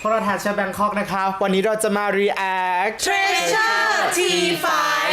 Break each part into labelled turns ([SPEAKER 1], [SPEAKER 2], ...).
[SPEAKER 1] พวกเราทัชแบงคอกนะคะวันนี้เราจะมา react
[SPEAKER 2] Treasure T5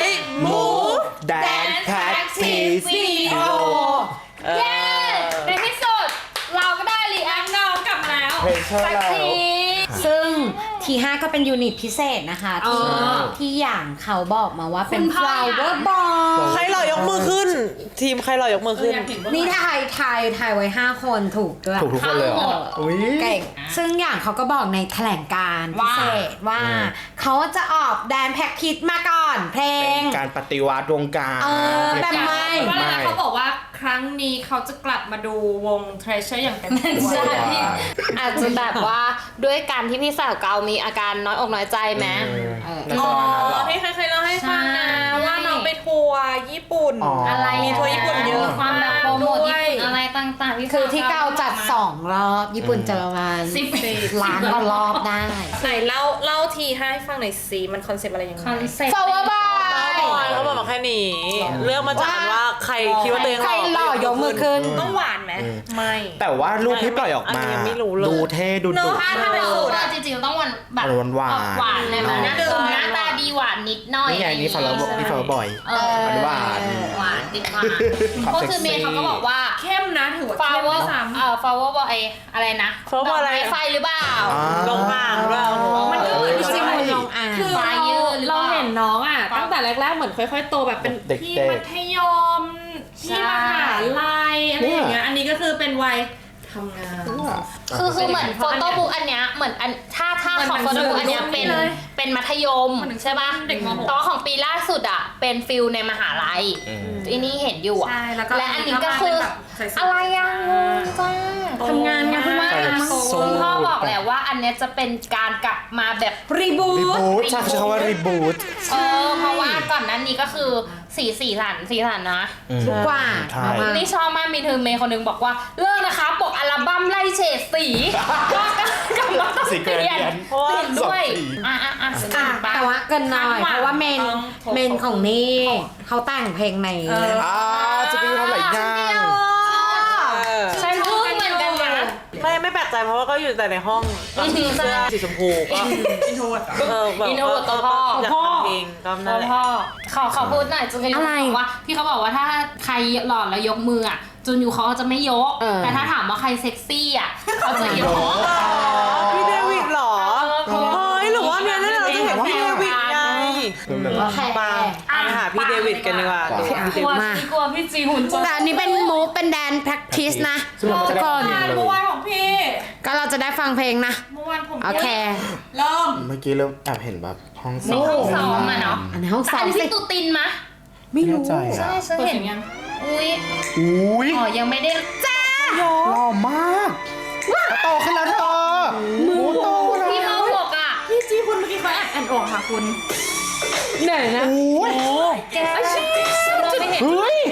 [SPEAKER 2] Move
[SPEAKER 1] Dance Practice
[SPEAKER 2] Video
[SPEAKER 3] เย้ในที่สุดเราก็ได้รีแอคน้องกลับมาแล้ว
[SPEAKER 1] Treasure
[SPEAKER 3] สักที
[SPEAKER 2] ซึ่งที5ก็เป็นยูนิตพิเศษนะคะที่อย่างเขาบอกมาว่าเป็น flower ball
[SPEAKER 4] ใครหล่อยกมือขึ้น ทีมใครหล่อยกมือขึ้น
[SPEAKER 2] นี่ทายไว้5คนถูกด้วย
[SPEAKER 1] ถูกทุกคนเลยเหรออุ้ย
[SPEAKER 2] เก่งซึ่งอย่างเขาก็บอกในแถลงการณ์พิเศษว่าเขาจะออกแดนแพ็กคิดมาก่อนเพลง
[SPEAKER 1] การปฏิวัติวงการ
[SPEAKER 2] แบบไม่
[SPEAKER 3] เพราะอะไรนะเขาบอกว่าครั้งนี้เขาจะกลับมาดูวง Treasure อย่างเต็มที่
[SPEAKER 1] ใช่
[SPEAKER 5] อาจจะแบบว่าด้วยการที่พี่สาวเกามีอาการน้อยอกน้อยใจไหม
[SPEAKER 1] อ๋อ
[SPEAKER 4] ที่เคยเล่าให้ฟังนะว่าน้องไปทัวร์ญี่ปุ่น
[SPEAKER 5] อะไร
[SPEAKER 4] มีทัวร์ญี่ปุ่นเยอะ
[SPEAKER 5] ความแบบโปรโมทญี่ปุ่นอะไรต่างๆพี่
[SPEAKER 2] คือที่เกาจัด2 รอบญี่ปุ่นเจอมัน
[SPEAKER 3] 10
[SPEAKER 2] ล้านกว่ารอบได้
[SPEAKER 4] ไหนเล่าทีให้ฟังหน่อยสิมันคอนเซปต์อะไรยังไง
[SPEAKER 3] คอนเซ็ปต์
[SPEAKER 2] flower
[SPEAKER 4] บ
[SPEAKER 2] ball
[SPEAKER 4] อยเขาบอกมาแค่นี้เรื่องมาจากการว่าใครคิดว่าตัวเอง
[SPEAKER 2] ใครหล่อยกมือขึ้น
[SPEAKER 4] ต้องหวานไหมไม่
[SPEAKER 1] แต่ว่ารูปที่ปล่อยออกมา
[SPEAKER 4] อันนี้ยังไม่รู้เลย
[SPEAKER 1] ดูเท่ดูดุ
[SPEAKER 3] ถ้าเป็นสูตรจริงๆต้องแบบ
[SPEAKER 1] หวาน
[SPEAKER 3] หวานเลยมันนะหน้าตาดีหวานนิดหน่อย
[SPEAKER 1] นี่ไงนี่ฟอลล์บอย หวาน
[SPEAKER 3] หวานติดหวานก็คือเมย์เขาก็บอกว่า
[SPEAKER 4] เข้มนะถือว่า
[SPEAKER 3] ฟา
[SPEAKER 4] เข้ม
[SPEAKER 3] วเวอร์
[SPEAKER 4] ซ้ำ
[SPEAKER 3] ฟาวเวอร์บอยอะไรนะ
[SPEAKER 4] Flower อะไร
[SPEAKER 3] ไฟหรือเปล่า
[SPEAKER 4] ลงอ่างด้วย
[SPEAKER 3] มันก็เหมือน
[SPEAKER 2] จริงๆมันลงอ่าง
[SPEAKER 3] คือ
[SPEAKER 6] เรา
[SPEAKER 3] ยืนหรือเป
[SPEAKER 6] เรา
[SPEAKER 3] ล่า
[SPEAKER 6] เห็นน้องอ่ะตั้งแต่แรกๆเหมือนค่อยๆโตแบบเป็น
[SPEAKER 1] เด็ก
[SPEAKER 6] พี่
[SPEAKER 1] ๆ
[SPEAKER 6] มัธยมพี่มหาลัยอะไรอย่างเงี้ยอันนี้ก็คือเป็นวัยทำงาน
[SPEAKER 5] คือเหมือนโฟโต้บุ๊กอันเนี้ยเหมือนอันถ้าของโฟโต้บุ๊กอันเนี้ยเป็นมัธยมใช่ป่ะ
[SPEAKER 6] เด็กม
[SPEAKER 5] แต่ว่าของปีล่าสุดอ่ะเป็นฟิลในมหาลัยอันนี้เห็นอยู่อ่ะ
[SPEAKER 6] ใช่แล้วก็
[SPEAKER 5] และอันนี้ก็คืออะไรยังจ้า
[SPEAKER 6] ทำงานไงเพิ่งว่า
[SPEAKER 5] คุณพ่อบอกแล้วว่าอันเนี้ยจะเป็นการกลับมาแบบ
[SPEAKER 2] รีบู
[SPEAKER 1] รี
[SPEAKER 2] ท
[SPEAKER 1] บูทใช่คำว่ารีบูท
[SPEAKER 5] เพราะว่าก่อนหนั้นนี้ก็คือสีสันนะ
[SPEAKER 2] ทุกกว่า
[SPEAKER 1] ใช่
[SPEAKER 2] มาก
[SPEAKER 5] นี่ชอบมากมีเธอเมย์คนหนึงบอกว่าเลิกนะคะปกอัลบั้มไล่เฉดสีก็กลับมาต้อง
[SPEAKER 1] สี
[SPEAKER 5] เป
[SPEAKER 1] เกร
[SPEAKER 5] ลี่ยน
[SPEAKER 1] เดียน
[SPEAKER 5] เปลี่ยนด้วย
[SPEAKER 1] สองสี
[SPEAKER 2] แต่ว่าเกินหน่อยเพราะว่าเมนของนี่เขาแต่งเพลงใน
[SPEAKER 1] จะไปทำหลายอย่าง
[SPEAKER 5] ใช่พึ่งเหมือนกันนะ
[SPEAKER 4] ไม่แปลกใจเพราะว่าก็อยู่แต่ในห้องเสื้อสีชมพูก็อินโทรแบบ
[SPEAKER 5] อินโทรกับตัวพ่อ
[SPEAKER 4] อยากทำเพลงก็นั่นแหละ
[SPEAKER 5] พ่อขอพูดหน่อยจุนยูบอกว่าพี่เขาบอกว่าถ้าใครหล่อแล้วยกมืออ่ะจุนยูเขาจะไม่ยกแต่ถ้าถามว่าใครเซ็กซี่อ่ะเขาจะยก
[SPEAKER 4] พี่เดวิดเหรอเฮ้ยหรือว่าเนี่ยเราจะเห็นพี่เดวิดไง
[SPEAKER 2] แค่
[SPEAKER 4] มาหาพี่เดวิดกันดีกว่าดูพี่เด
[SPEAKER 5] กลัว
[SPEAKER 4] วิด
[SPEAKER 5] พี่กลัวพี่จีหุ่นจะ
[SPEAKER 2] แต่อันนี้เป็นมูฟเป็นแดน practice นะ
[SPEAKER 1] ซึ่งเราจะ
[SPEAKER 2] ทุก
[SPEAKER 1] ได้
[SPEAKER 2] คน
[SPEAKER 1] ฟังเพลงเลย
[SPEAKER 6] เมื่อวานของพี่
[SPEAKER 2] ก็เราจะได้ฟังเพลงนะ
[SPEAKER 6] เมื่อวานผม
[SPEAKER 2] โอเค
[SPEAKER 6] เริ่ม
[SPEAKER 1] เมื่อกี้เริ่มแอบเห็นแบบห้อง
[SPEAKER 5] ในห้องซ้อมอ่ะเนาะ
[SPEAKER 2] อันนี้ห้องซ้อ
[SPEAKER 5] อั
[SPEAKER 2] ม
[SPEAKER 5] นนี้
[SPEAKER 2] สิ
[SPEAKER 5] พี่ตูตินมะ
[SPEAKER 1] ไม่รู้ใจ
[SPEAKER 5] ใช่
[SPEAKER 1] อ่ะ
[SPEAKER 5] ฉันเห็นยังอุ้ย
[SPEAKER 1] อุ้ย
[SPEAKER 5] อ๋อยังไม่ได้จ้า
[SPEAKER 1] หล่อมากโตขึ้นแล้วเธอหมูโตแล้ว
[SPEAKER 5] พี่ม.6อ่ะ
[SPEAKER 6] พี่จีคุณเมื่อกี้เขาแอนออกค่ะคุณ
[SPEAKER 2] เหนื่อยนะ
[SPEAKER 1] อุ้ย
[SPEAKER 5] แกเราไม่เห็น
[SPEAKER 1] เฮ้ย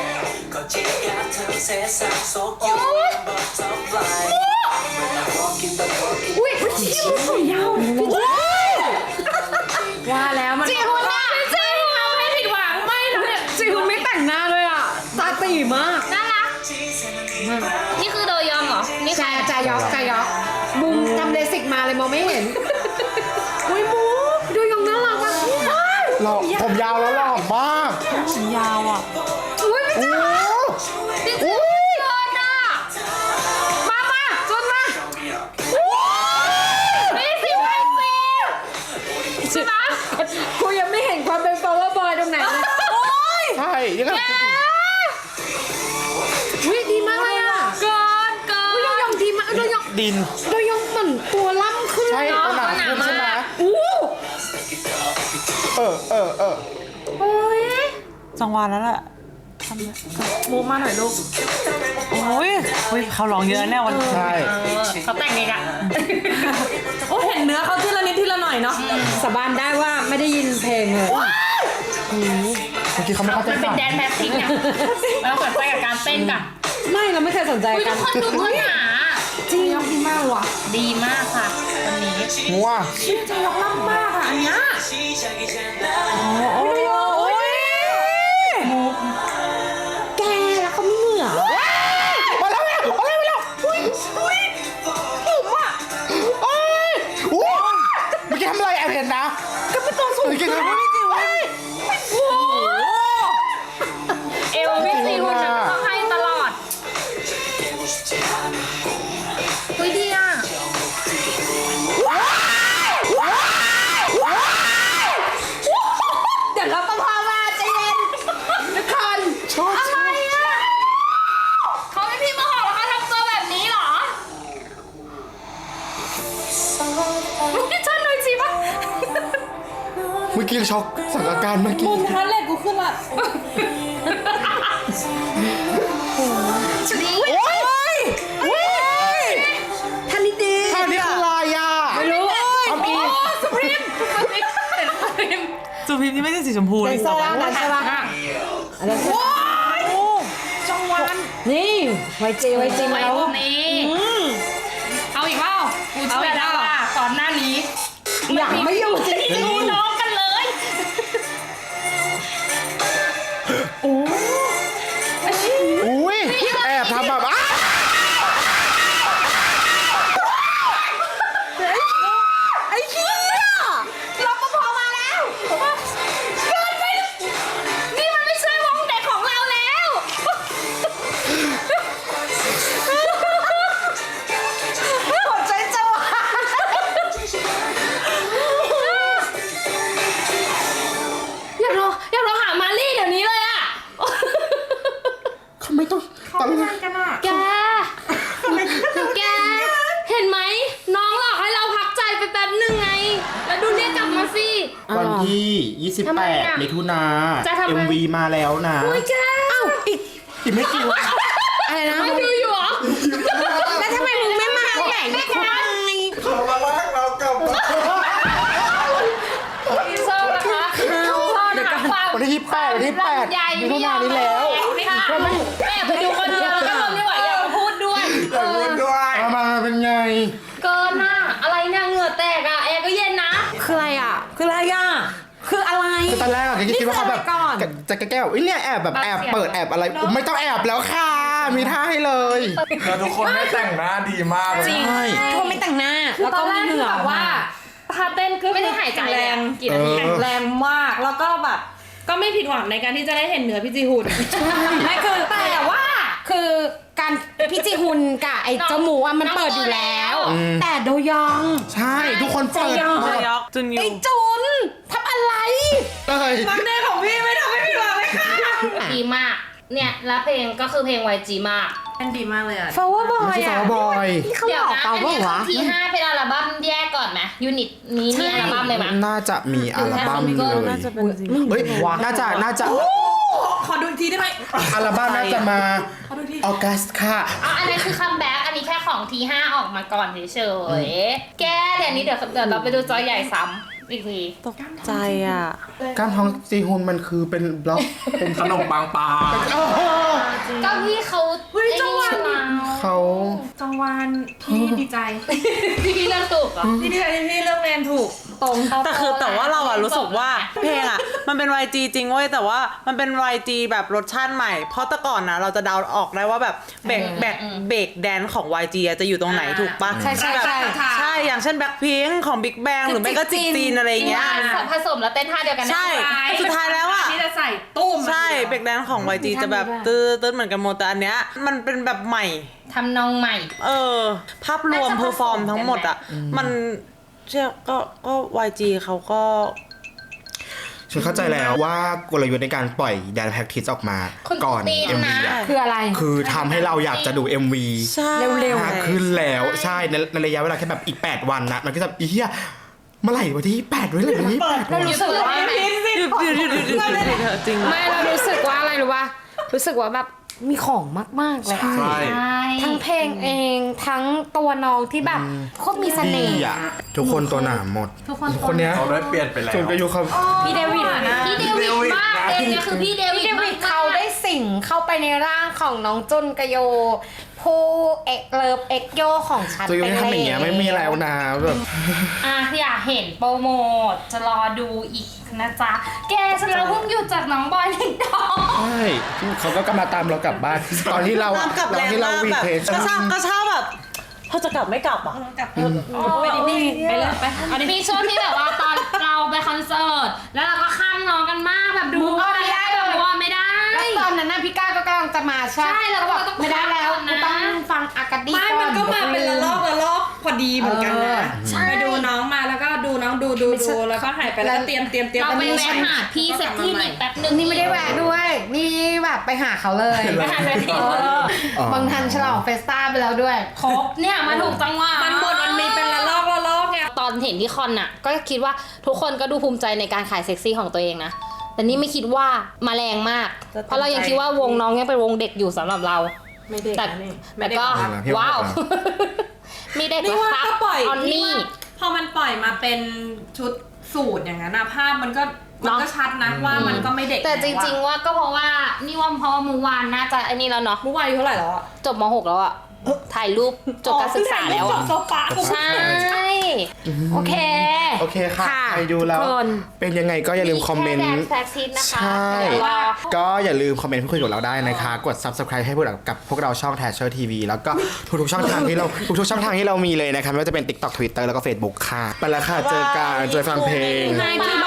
[SPEAKER 2] อุ้ยจีคุณผมยาวว่าแล้วมันจีคุณอ่ะ
[SPEAKER 6] ใช่ทำให้ผิดหวังไม่ทำให้
[SPEAKER 2] จีคุณไม่แต่งหน้าเลยอ่ะตาตีมาก
[SPEAKER 5] น่ารักนี่คือโดยองเหรอนี่คือ
[SPEAKER 2] จายอกบุมทำเลสิกมาเลยมองไม่เห็นอุ้ยมูดูยองน่ารักอ่ะ
[SPEAKER 1] หล่อผมยาวแล้วหล่อมาก
[SPEAKER 6] ยาวอ่ะ
[SPEAKER 2] อุ้ยไม่
[SPEAKER 1] โอ้
[SPEAKER 2] จ้า
[SPEAKER 1] อุ้ย
[SPEAKER 2] มาจนมา
[SPEAKER 5] นี่สิไวซี
[SPEAKER 2] กูยังไม่เห็นความเป็น flower boy ตรงไหนเลย
[SPEAKER 1] ใช่ยังไง
[SPEAKER 2] อุ้ยดีมากเลยอ่ะเกินอุ้ยโดยองดีมากโดยอง
[SPEAKER 1] ดิน
[SPEAKER 2] เหมือนตัวล่ำขึ้น
[SPEAKER 1] ใช่
[SPEAKER 2] เนาะ
[SPEAKER 1] ตัวหนาขึ้นใช่ไหม
[SPEAKER 2] อู้
[SPEAKER 1] เออ
[SPEAKER 4] จังหวะแล้วแหละมูมาหน่อยลูกโอ้ยเขาร้องเยอะแน่วันนี้
[SPEAKER 1] ใช่
[SPEAKER 5] เขาแต่งเองอะ
[SPEAKER 6] โอ้เห็นเนื้อเขาทีละนิดทีละหน่อยเนาะ
[SPEAKER 2] สาบานได้ว่าไม่ได้ยินเพลงเลย
[SPEAKER 1] เมื่อกี้เขาไม่เข้าใจ
[SPEAKER 5] มันเป็นแดนแพทริกเนี่ยแล้วสนใจกับการเต้นกับ
[SPEAKER 2] ไม่เราไม่เคยสนใจ
[SPEAKER 5] อุ้ย
[SPEAKER 2] กั
[SPEAKER 5] ทุ
[SPEAKER 2] น
[SPEAKER 5] กคนดูคนหา
[SPEAKER 2] จริง
[SPEAKER 6] ดีมากว่ะ
[SPEAKER 5] ดีมากค่ะวันนี้
[SPEAKER 1] งัว
[SPEAKER 6] ใจยกล่ำมากค่ะอันเนี้ย
[SPEAKER 4] โอ้ย
[SPEAKER 2] แกแล้วเขาไม่เหงื่อ
[SPEAKER 1] มาแล้วอุ้ยผมอ่ะโอ้ย
[SPEAKER 5] ชอบหน่อยสิปะ
[SPEAKER 1] เมื่อกี้ช็อกสังอาการเมื่อกี้
[SPEAKER 6] มุมทันเลยกูขึ้นละ
[SPEAKER 2] ทันนิดดี
[SPEAKER 1] ท่านี้คืออะไรอ่ะ
[SPEAKER 2] ไม่รู้
[SPEAKER 1] เอาอีก
[SPEAKER 5] สุพรีมเห็นสุพรีม
[SPEAKER 4] จูพิมพ์นี่ไม่ใช่สีชมพู
[SPEAKER 2] แด
[SPEAKER 4] เลย
[SPEAKER 2] นเซอร์นะใช่ปะอะไรจังหวะนี่ไวจีมา
[SPEAKER 5] ไว้
[SPEAKER 2] แล้ว
[SPEAKER 5] ตรงนี้เอาอีกเปล่ากูเชื่อแล้วว่าก่อนหน้านี้
[SPEAKER 2] อยากไม่อยู่จริง
[SPEAKER 5] ดูน้องกันเลย
[SPEAKER 1] อุ้ยแอบทำแบบอ้า
[SPEAKER 2] ไอ้เหี้ยรปภมาแล้ว
[SPEAKER 5] เกินไปนี่มันไม่ใช่วงเด็กของเราแล้ว
[SPEAKER 2] หัวใจจะวาย
[SPEAKER 5] อยากเราหามาลี่เดี๋ยวนี้เลยอะ
[SPEAKER 1] เขาไม่ต้องตั้ง
[SPEAKER 5] แกเห็นไหมน้องหลอกให้เราพักใจไปแป๊บนึงไง แล้วดูเนี่ยกลับมาสิ
[SPEAKER 1] วันที่
[SPEAKER 5] ทำไมอะ
[SPEAKER 1] 28 มิถุนา
[SPEAKER 5] จะทำไม
[SPEAKER 1] MV มาแล้วนะ
[SPEAKER 5] โอ้ยแก
[SPEAKER 1] อีกไม่กี่วัน
[SPEAKER 2] อะไรนะ
[SPEAKER 5] ไม่ดูอยู่เหรอ
[SPEAKER 2] แล้วทำไมมึงไม่มาแข่งไม่ควาย
[SPEAKER 1] เขามาลากเรากลับมา
[SPEAKER 5] พี่ส้มนะคะส้มหาความ
[SPEAKER 1] วันที่28วันที่8
[SPEAKER 5] ใหญ่
[SPEAKER 1] มิถุนายนนี้แล้ว
[SPEAKER 5] แม่ไปดูคนเดียวแล้วก็ทนไม่ไหวอยากมาพูดด้วย
[SPEAKER 1] อยากพูดด้วยเอามาเป็นไง
[SPEAKER 5] เกินน่ะอะไรเนี่ยเหงื่อแตกอ่ะแอร์ก็เย็นนะ
[SPEAKER 2] คืออะไรอ่ะ คืออะไรอ่ะ คืออะไร
[SPEAKER 1] คือตอนแรกอะคิดว่าเขาแบบ
[SPEAKER 2] นี่คืออะไรก่อน
[SPEAKER 1] จะแก้วเนี่ยแอบแบบแอบเปิดแอบอะไรไม่ต้องแอบแล้วค่ะ มีท่าให้เลย
[SPEAKER 7] แล้วทุกคนไม่แต่งหน้าดีมากเลย
[SPEAKER 2] จริงทุกคนไม่แต่งหน้า แล้วก็มีเหงื่อ
[SPEAKER 6] แบบว่าท่าเต้นก็
[SPEAKER 5] ไม่ได้หายใจ
[SPEAKER 6] แรง
[SPEAKER 5] กี่นาที
[SPEAKER 6] แข็งแรงมากแล้วก็แบบ ก็ไม่ผิดหวังในการที่จะได้เห็นเหนือพี่จีหุ่น
[SPEAKER 2] ไม่คือแต่ว่าคือการพี่จีฮุนกับไอ้เจ้าหมูอ่ะมันเปิดอยู่แล้ว แต่โดยอง
[SPEAKER 1] ใช่ทุกคนเปิด
[SPEAKER 2] ใจยอม
[SPEAKER 1] หมด
[SPEAKER 4] ยอกจุนยู
[SPEAKER 2] ไอ้จุนทำอะไร
[SPEAKER 1] เลย
[SPEAKER 6] มันเด้ของพี่ไม่ทำให้ผิดหวังเลยค่ะ
[SPEAKER 5] ดีมาก เนี่ยแล้วเพลงก็คือเพลง YG มาก
[SPEAKER 6] เป็นดีมากเลยอ่ะ
[SPEAKER 2] Flower
[SPEAKER 1] ไม่
[SPEAKER 2] Boy
[SPEAKER 1] ใช่สา
[SPEAKER 2] อ่ะ
[SPEAKER 1] วบอย
[SPEAKER 2] นี่เขา
[SPEAKER 5] เดี๋
[SPEAKER 2] ห
[SPEAKER 5] ย
[SPEAKER 2] ล
[SPEAKER 5] ว
[SPEAKER 2] อก
[SPEAKER 5] นะ
[SPEAKER 2] เปล่า
[SPEAKER 5] อันนี้
[SPEAKER 2] วะ
[SPEAKER 5] ที5เป็นอัลบั้มแยกก่อนไหมยูนิตนี้มีอัลบั้มเลยไหม
[SPEAKER 1] น่าจะมีอัลบั้มเลย
[SPEAKER 4] น่าจะเป็นจริง
[SPEAKER 1] เฮ้ยน่าจะ
[SPEAKER 6] ขอดูอีกทีได้ไหม
[SPEAKER 1] อัลบั้มน่าจะมาออกัสค่ะ
[SPEAKER 5] อันนั้นคือคัมแบ็กอันนี้แค่ของที5ออกมาก่อนเฉยๆแกเดี๋ยวนี้เดี๋ยวเราไปดูจอใหญ่ซ้ำอีกที
[SPEAKER 4] ตกใจอ่ะ
[SPEAKER 1] กล้ามท้องจีฮุนมันคือเป็นบล็อกเป็น
[SPEAKER 7] ขนมปังปลา
[SPEAKER 1] โอ้โห
[SPEAKER 5] ก็พี่เขาไอ้นี่มา
[SPEAKER 1] เขา
[SPEAKER 6] จังหวานพี่ดีใจ
[SPEAKER 5] พี่เลือกถูกเหรอ
[SPEAKER 6] พี่ดีใจที่พี่เลือกเรียนถูก
[SPEAKER 5] ตรง
[SPEAKER 4] แต่ว่าเราอะรู้สึกว่าเพลงอะมันเป็น YG จริงเว้ยแต่ว่ามันเป็น YG แบบรสชาติใหม่ เพราะแต่ก่อนนะเราจะเดาออกได้ว่าแบบเบรกแดนของ YG อะจะอยู่ตรงไหนถูกปะ
[SPEAKER 2] ใช่ใช่
[SPEAKER 4] แบบ
[SPEAKER 2] ใช่
[SPEAKER 4] ใช่อย่างเช่นแบ็คพิงของ Big Bang หรือไม่ก็จิกจีนอะไรอย่างเงี้ย
[SPEAKER 5] ผสมแล้วเต้นท่าเดียวกันนะ
[SPEAKER 4] ใช่สุดท้ายแล้วอะ
[SPEAKER 6] ที่จะใส่ตุ้ม
[SPEAKER 4] ใช่เบรกแดนของ YG จะแบบตื้อเหมือนกันหมดแต่อันเนี้ยมันเป็นแบบใหม่
[SPEAKER 5] ทำนองใหม่
[SPEAKER 4] ภาพรวมเพอร์ฟอร์มทั้งหมดอะมันเชื่อก็ YG เขาก็
[SPEAKER 1] ฉันเข้าใจแล้วว่ากลยุทธ์ในการปล่อยแดนแพ็กทิสออกมา
[SPEAKER 5] คน
[SPEAKER 1] ก่อน
[SPEAKER 5] ตีน
[SPEAKER 1] MV
[SPEAKER 5] นะ
[SPEAKER 1] อะ
[SPEAKER 2] คืออะไร
[SPEAKER 1] คือทำให้เราอยากจะดู MV
[SPEAKER 4] ใช่
[SPEAKER 2] เร็ว
[SPEAKER 1] มากขึ้นแล้วใช่ในระยะเวลาแค่แบบอีก 8 วันนะมันก็จะอีเหี้ยเมื่อไหร่วันที่8ด้วยเลยวันที่8
[SPEAKER 2] เรารู้สึกว่า
[SPEAKER 4] หยุดจริง
[SPEAKER 2] ไม่เรารู้สึกว่าอะไรรู้ป่ะรู้สึกว่าแบบมีของมากๆเลยอะ
[SPEAKER 7] ใช่
[SPEAKER 2] ทั้งเพลงเองทั้งตัวน้องที่แบบโคตรมีเส
[SPEAKER 1] ดี
[SPEAKER 2] น่ห์
[SPEAKER 1] อ่ะทุกคนตัวหนาหมด
[SPEAKER 5] ทุกคน
[SPEAKER 1] คนเนี้ย
[SPEAKER 7] เขาได้เปลี่ยนไปแล้ว
[SPEAKER 1] ส่วนกระยุเขา
[SPEAKER 2] พี่เดวิดนะ
[SPEAKER 5] พี่เดวิดมากเดวิดคือพี่เดวิ
[SPEAKER 2] พี่
[SPEAKER 5] ด
[SPEAKER 2] เดวิดเขาได้สิงเข้าไปในร่างของน้องจุนกะโยผู้เอกเลิฟเอกโยของฉัน
[SPEAKER 1] ตัวยุ
[SPEAKER 2] ไป
[SPEAKER 1] ทำอย่างเงี้ยไม่มีแล้วนะแบบ
[SPEAKER 5] อยากเห็นโปรโมทจะรอดูอีกนะจ๊ะแกฉันเราเพิ่งหยุดจากน้องบอยนิดอ
[SPEAKER 1] ใช่เขาก็กำลังตามเรากลับบ้าน ตอนที่เรา
[SPEAKER 4] ตามกลับ
[SPEAKER 1] ต
[SPEAKER 4] แร
[SPEAKER 1] อน
[SPEAKER 4] ง
[SPEAKER 1] ที่เรา
[SPEAKER 4] มาก
[SPEAKER 1] วี
[SPEAKER 4] แบบ
[SPEAKER 1] เทส
[SPEAKER 4] กระชากแบบเขาจะกลับไม่กลับอ่ะ
[SPEAKER 6] ไปดินี่ไปเลยไปเอาดิ
[SPEAKER 5] มีช่วงที่แบบว่าตอนเราไปคอนเสิร์ตแล้วเราก็ข้ามน้องกันมากแบบดูอะไรแบบว่าไม่ได้
[SPEAKER 2] แล้วตอนนั้นน่ะพี่ก้าก็กำลังจะมาใช่
[SPEAKER 5] ใช่แล้วก็
[SPEAKER 2] บอก
[SPEAKER 5] ต้อง
[SPEAKER 2] ไม่ได้แล้ว
[SPEAKER 5] พักก่อนนะ
[SPEAKER 2] กูต้องฟังอากาดี
[SPEAKER 6] ไม่มันก็มาเป็นละลอกพอดีเหมือนกันนะไปดูน้องมาแล้วก็ดูน้องดูแล้วก็หายไปแล้วก็เตรียม
[SPEAKER 5] เราไปแวะหาพี่เซ็กที่นี่แป๊บนึง
[SPEAKER 2] นี่ไม่ได้แวะด้วย นี่แบบไปหาเขาเลย
[SPEAKER 5] ไปหาเซ็กที่
[SPEAKER 2] บางทันฉลองเฟสต้าไปแล้วด้วย
[SPEAKER 5] ครบเนี่ยมาถูกจังหวะ
[SPEAKER 6] มันหมดมันมีเป็นละลอกไง
[SPEAKER 5] ตอนที่เห็นที่คอนน่ะก็คิดว่าทุกคนก็ดูภูมิใจในการขายเซ็กซี่ของตัวเองนะแต่นี่ไม่คิดว่ามาแรงมากเพราะเรายังคิดว่าวงน้องยังเป็นวงเด็กอยู่สำหรับเรา
[SPEAKER 6] ไม่เด็ก
[SPEAKER 5] แต่
[SPEAKER 6] นะนี่
[SPEAKER 5] แต่ก็
[SPEAKER 1] พี่ว่า
[SPEAKER 5] ว้าวไม่ได้
[SPEAKER 6] นี่ว่า
[SPEAKER 5] ครับ
[SPEAKER 6] ก็ปล่อย
[SPEAKER 5] ออน
[SPEAKER 6] นี่
[SPEAKER 5] นี่
[SPEAKER 6] ว่าพอมันปล่อยมาเป็นชุดสูทอย่างนั้นนะภาพมันก็ชัดนะว่ามันก็ไม่เด็ก
[SPEAKER 5] แต่จริงๆว่าก็เพราะว่านี่ว่าเพราะว่าเมื่อวานน่าจะไอ้นี่แล้วเนาะ
[SPEAKER 6] เมื่อวานอายุเท่าไหร่แล้วอะ
[SPEAKER 5] จบม .6 แล้วอะถ่ายรูปจบการศึกษาแล้วอะ
[SPEAKER 6] โซฟา
[SPEAKER 5] ใช่โอเค
[SPEAKER 1] โอเคค่ะ
[SPEAKER 2] ค่ะ
[SPEAKER 1] ใครดูแล้ว
[SPEAKER 2] ทุกคน
[SPEAKER 1] เป็นยังไงก็อย่าลืมคอมเมนต์
[SPEAKER 5] แค่แฟกซิตนะคะ
[SPEAKER 1] ใช่
[SPEAKER 5] เดี๋ยวรอ
[SPEAKER 1] ก็อย่าลืมคอมเมนต์พูดคุยกับเราได้นะคะ กด subscribe ให้พวกเรากับพวกเราช่อง Thatcher TV แล้วก็ทุกๆช่องทางที่เราทุกๆช่องทางที่เรามีเลยนะคะไม่ว่าจะเป็น TikTok Twitter แล้วก็ Facebook ค่ะ ไปแล้วค่ะ เจอกันเจอฟังเพลง
[SPEAKER 2] ให้ที่